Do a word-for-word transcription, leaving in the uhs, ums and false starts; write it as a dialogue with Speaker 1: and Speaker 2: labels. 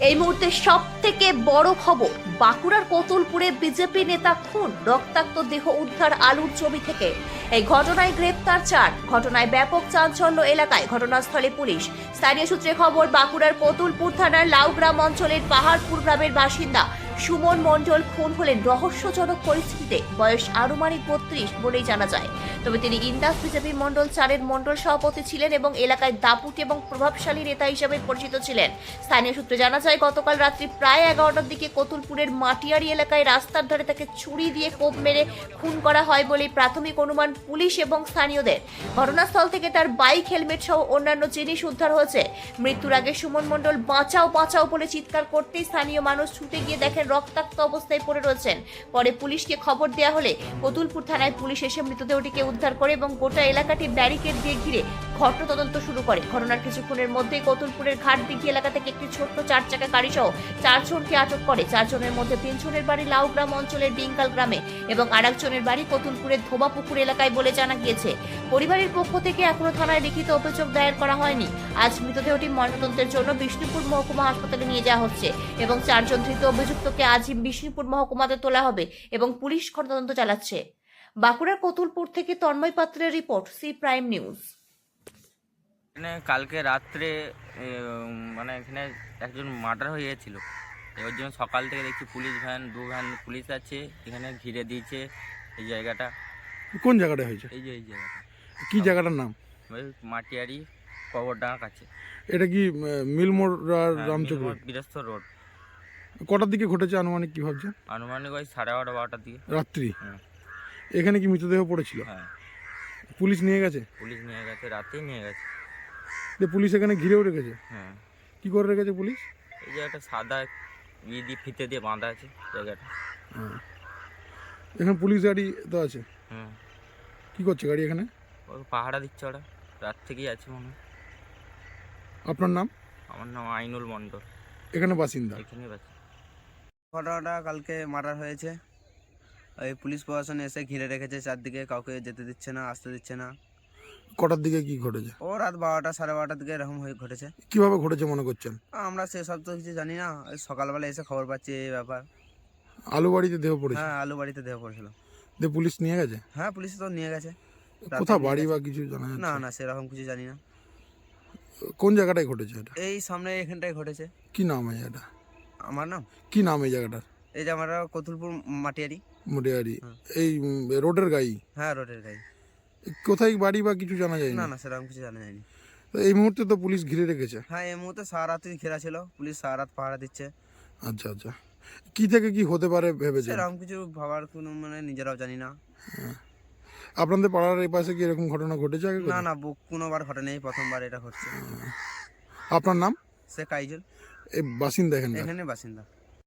Speaker 1: এই মুহূর্তে সব থেকে বড় খবর, বাঁকুড়ার কতুলপুরে বিজেপি নেতা খুন, রক্তাক্ত দেহ উদ্ধার আলুর জমি থেকে। এই ঘটনায় গ্রেপ্তার চার। ঘটনায় ব্যাপক চাঞ্চল্য এলাকায়। ঘটনাস্থলে পুলিশ। স্থানীয় সূত্রে খবর, বাঁকুড়ার কতুলপুর থানার লাউগ্রাম অঞ্চলের পাহাড়পুর গ্রামের বাসিন্দা সুমন মণ্ডল খুন হলেন রহস্যজনক পরিস্থিতিতে। বয়স আনুমানিক বত্রিশ বলেই জানা যায়। তবে তিনি ইন্দাস বিজেপি মণ্ডল চারের মণ্ডল সভাপতি ছিলেন এবং এলাকায় দাপুটে এবং প্রভাবশালী নেতা হিসেবে পরিচিত ছিলেন। স্থানীয় সূত্রে জানা যায়, গতকাল রাত্রি প্রায় এগারোটার দিকে কতুলপুরের মাটিয়ারি এলাকায় রাস্তার ধারে তাকে ছুরি দিয়ে কোপ মেরে খুন করা হয় বলেই প্রাথমিক অনুমান পুলিশ এবং স্থানীয়দের। ঘটনাস্থল থেকে তার বাইক, হেলমেট সহ অন্যান্য জিনিস উদ্ধার হয়েছে। মৃত্যুর আগে সুমন মণ্ডল বাঁচাও বাঁচাও বলে চিৎকার করতেই স্থানীয় মানুষ ছুটে গিয়ে দেখেন রক্তাক্ত অবস্থায় পড়ে রয়েছেন। পরে পুলিশকে খবর দেওয়া হলে কতুলপুর থানায় পুলিশ এসে মৃতদেহটিকে উদ্ধার করে এবং গোটা এলাকাটি ব্যারিকেড দিয়ে ঘিরে ঘটনা তদন্ত শুরু করে। ঘটনার কিছুক্ষণের মধ্যেই কতুলপুরের ঘাটদিঘি এলাকা থেকে একটি ছোট্ট চার চাকা গাড়ি সহ চারজনকে আটক করে। চারজনের মধ্যে তিনজনের বাড়ি লাউগ্রাম অঞ্চলের ডিঙ্কাল গ্রামে এবং আরেকজনের বাড়ি কতুলপুরের ধোবাপুকুর এলাকায় বলে জানা গিয়েছে। পরিবারের পক্ষ থেকে এখনো থানায় লিখিত অভিযোগ দায়ের করা হয়নি। আজ মৃতদেহটি ময়নাতদন্তের জন্য বিষ্ণুপুর মহকুমা হাসপাতালে নিয়ে যাওয়া হচ্ছে এবং চারজন ধৃত অভিযুক্তকে আজই বিষ্ণুপুর মহকুমাতে তোলা হবে এবং পুলিশ তদন্ত চালাচ্ছে। বাঁকুড়ার কতুলপুর থেকে তন্ময় পাত্রের রিপোর্ট, সি প্রাইম নিউজ।
Speaker 2: এখানে কালকে রাত্রে এ, মানে এখানে একজন মার্ডার হয়ে গিয়েছিল। এর জন্য সকাল থেকে দেখছি পুলিশ ভ্যান, দু ভ্যান পুলিশ আছে, এখানে ঘিরে দিয়েছে এই জায়গাটা।
Speaker 3: কোন জায়গাটা হয়েছে?
Speaker 2: এই যে এই জায়গাটা
Speaker 3: কি জায়গাটার নাম?
Speaker 2: ওই মাটিয়ারি কবরডাঙ্গার কাছে।
Speaker 3: এটা কি আহ, মিলমোড় আর
Speaker 2: হ্যাঁ,
Speaker 3: রামচক রোড?
Speaker 2: মিলমোড়, বীরেশ্বর রোড।
Speaker 3: কটার দিকে ঘটেছে আনুমানিক, কি ভাবছেন?
Speaker 2: আনুমানিক ওই সাড়ে এগারোটা বারোটার দিকে।
Speaker 3: রাত্রি?
Speaker 2: হুম।
Speaker 3: এখানে কি মৃতদেহ পড়েছিল?
Speaker 2: হ্যাঁ,
Speaker 3: পুলিশ নিয়ে গেছে?
Speaker 2: পুলিশ নিয়ে গেছে, রাতেই নিয়ে গেছে।
Speaker 3: যে পুলিশ এখানে ঘিরেও রেখেছে?
Speaker 2: হ্যাঁ,
Speaker 3: কি করে রেখেছে পুলিশ?
Speaker 2: এই যে একটা সাদা ই দিয়ে ফিতে দিয়ে বাঁধা আছে জায়গাটা।
Speaker 3: হ্যাঁ। এখানে পুলিশ গাড়ি তো আছে?
Speaker 2: হুম,
Speaker 3: কি করছে গাড়ি এখানে?
Speaker 2: ওই পাহাড়া দিচ্ছে ওরা, রাত থেকেই আছে মনে হয়।
Speaker 3: আপনার নাম?
Speaker 2: আমার নাম আইনুল মণ্ডল,
Speaker 3: এখানে বাসিন্দা?
Speaker 2: এখানেই আছে।
Speaker 4: ঘটনাটা কালকে মার্ডার হয়েছে। ওই পুলিশ প্রশাসন এসে ঘিরে রেখেছে চারদিকে, কাউকে যেতে দিচ্ছে না, আসতে দিচ্ছে না।
Speaker 3: কটার দিকে কি ঘটেছে?
Speaker 4: ও রাত বারোটা সাড়ে বারোটার দিকে এরকম হয়ে ঘটেছে।
Speaker 3: কিভাবে ঘটেছে মনে করছেন?
Speaker 4: আমরা সেসব তো কিছু জানি না, ওই সকালবেলা এসে খবর পাচ্ছি এই ব্যাপার।
Speaker 3: আলু বাড়িতে দেহ পড়েছে?
Speaker 4: হ্যাঁ, আলু বাড়িতে দেহ পড়েছিল।
Speaker 3: যে পুলিশ নিয়ে গেছে?
Speaker 4: হ্যাঁ, পুলিশ তো নিয়ে গেছে। রাতে
Speaker 3: কোথা
Speaker 4: নিয়ে
Speaker 3: বাড়ি
Speaker 4: গেছে।
Speaker 3: বা কিছু জানা যাচ্ছে?
Speaker 4: না না, সেরকম কিছু জানি না।
Speaker 3: কোন জায়গাটায় ঘটেছে এটা?
Speaker 4: এই সামনে এখানটায় ঘটেছে।
Speaker 3: কি নাম এই জায়গাটা?
Speaker 4: আমার নাম,
Speaker 3: কি নাম এই জায়গাটার?
Speaker 4: এই যে আমরা কতুলপুর মাটিয়ারি।
Speaker 3: মোটিয়ারি?
Speaker 4: হুম।
Speaker 3: এই উম, রোডের গাই?
Speaker 4: হ্যাঁ, রোডের গাড়ি।
Speaker 3: কোথায় বাড়ি বা কিছু জানা যায়
Speaker 4: না
Speaker 3: না?
Speaker 4: না, সেরকম কিছু জানা যায়নি।
Speaker 3: তো এই মুহূর্তে তো পুলিশ ঘিরে রেখেছে?
Speaker 4: হ্যাঁ, এই মুহূর্তে সারা রাত্রি ঘেরা ছিল, পুলিশ সারা রাত পাহারা দিচ্ছে।
Speaker 3: আচ্ছা আচ্ছা, কি থেকে কি হতে পারে ভেবেছেন?
Speaker 4: সেরকম কিছু ভাবার কোনো মানে নিজেরাও জানি না।
Speaker 3: আপনাদের পাড়ার এই পাশে কি এরকম ঘটনা ঘটেছে আগে
Speaker 4: না
Speaker 3: কোথাও?
Speaker 4: না, বুক কোনোবার ঘটেনি, প্রথমবার এটা ঘটছে।
Speaker 3: আপনার নাম?
Speaker 4: সে কাইজল,
Speaker 3: এই বাসিন্দা এখানে?
Speaker 4: এখানে বাসিন্দা।